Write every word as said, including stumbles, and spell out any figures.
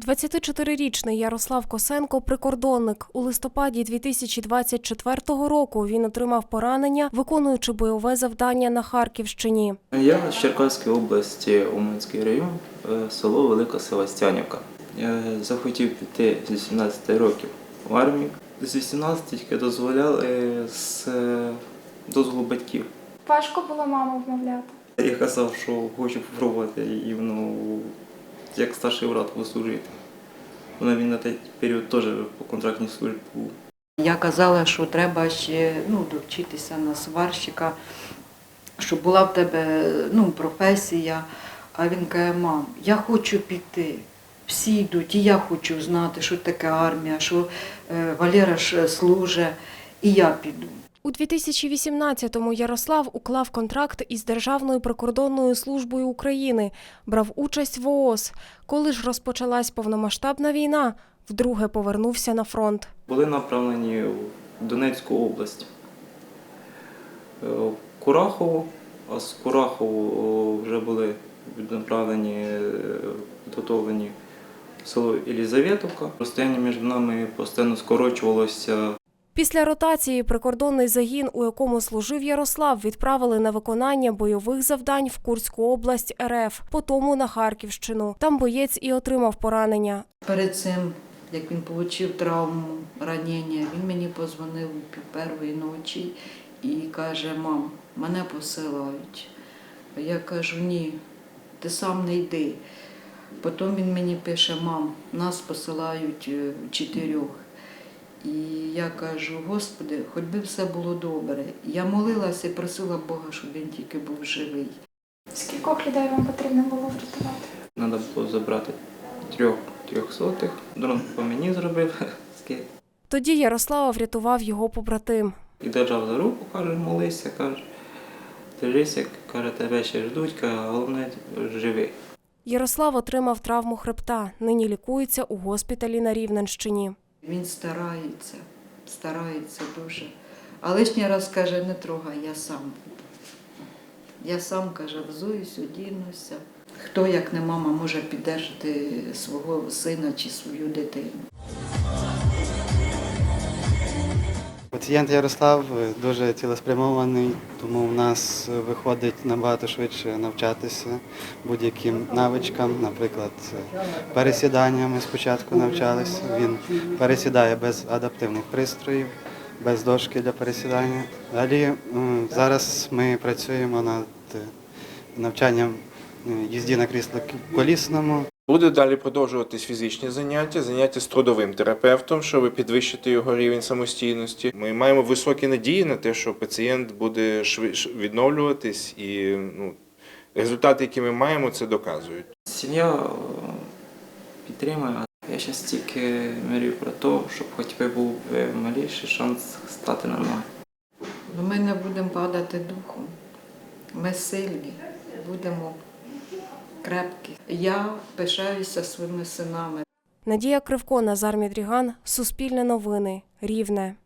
двадцятичотирирічний Ярослав Косенко – прикордонник. У листопаді дві тисячі двадцять четвертого року він отримав поранення, виконуючи бойове завдання на Харківщині. Я з Черкаської області, Уманський район, село Велика Севастянівка. Я захотів піти з вісімнадцяти років в армію. З вісімнадцяти тільки дозволяли з дозволу батьків. Важко було маму вмовляти? Я казав, що хочу спробувати і ну, як старший брат послужити. Вона він на той період теж по контрактній службі був. Я казала, що треба ще ну, довчитися на сварщика, щоб була в тебе ну, професія. А він каже: мам, я хочу піти. Всі йдуть, і я хочу знати, що таке армія, що Валера ж служить, і я піду. У дві тисячі вісімнадцятому Ярослав уклав контракт із Державною прикордонною службою України, брав участь в ООС. Коли ж розпочалась повномасштабна війна, вдруге повернувся на фронт. Були направлені в Донецьку область, в Курахову, а з Курахову вже були направлені, підготовлені в село Єлізаветівка. Розстояння між нами постійно скорочувалося. Після ротації прикордонний загін, у якому служив Ярослав, відправили на виконання бойових завдань в Курську область РФ, потім на Харківщину. Там боєць і отримав поранення. Перед цим, як він отримав травму, ранення, він мені подзвонив пів першої ночі і каже: мам, мене посилають. Я кажу: ні, ти сам не йди. Потім він мені пише: мам, нас посилають чотирьох. І я кажу: Господи, хоч би все було добре. Я молилася і просила Бога, щоб він тільки був живий. Скількох людей вам потрібно було врятувати? Треба було забрати трьох трьохсотих. Дрон по мені зробив. Тоді Ярослава врятував його побратим. І держав за руку, каже: молися, каже, держися, каже, тебе ще ждуть, каже, головне живий. Ярослав отримав травму хребта, нині лікується у госпіталі на Рівненщині. Він старається, старається дуже. А лишній раз каже: не трогай, я сам буду. Я сам, каже, взуюсь, одінуся. Хто, як не мама, може підтримати свого сина чи свою дитину? Пацієнт Ярослав дуже цілеспрямований, тому в нас виходить набагато швидше навчатися будь-яким навичкам. Наприклад, пересідання ми спочатку навчалися. Він пересідає без адаптивних пристроїв, без дошки для пересідання. Далі зараз ми працюємо над навчанням їзді на кріслі колісному. Буде далі продовжуватись фізичні заняття, заняття з трудовим терапевтом, щоб підвищити його рівень самостійності. Ми маємо високі надії на те, що пацієнт буде швидше відновлюватись, і ну, результати, які ми маємо, це доказують. Сім'я підтримує. Я зараз тільки мрію про те, щоб хоч би був маліший шанс стати на ноги. Ми не будемо падати духом. Ми сильні, будемо крепкі. Я пишаюся своїми синами. Надія Кривко, Назар Мідріган, Суспільне новини, Рівне.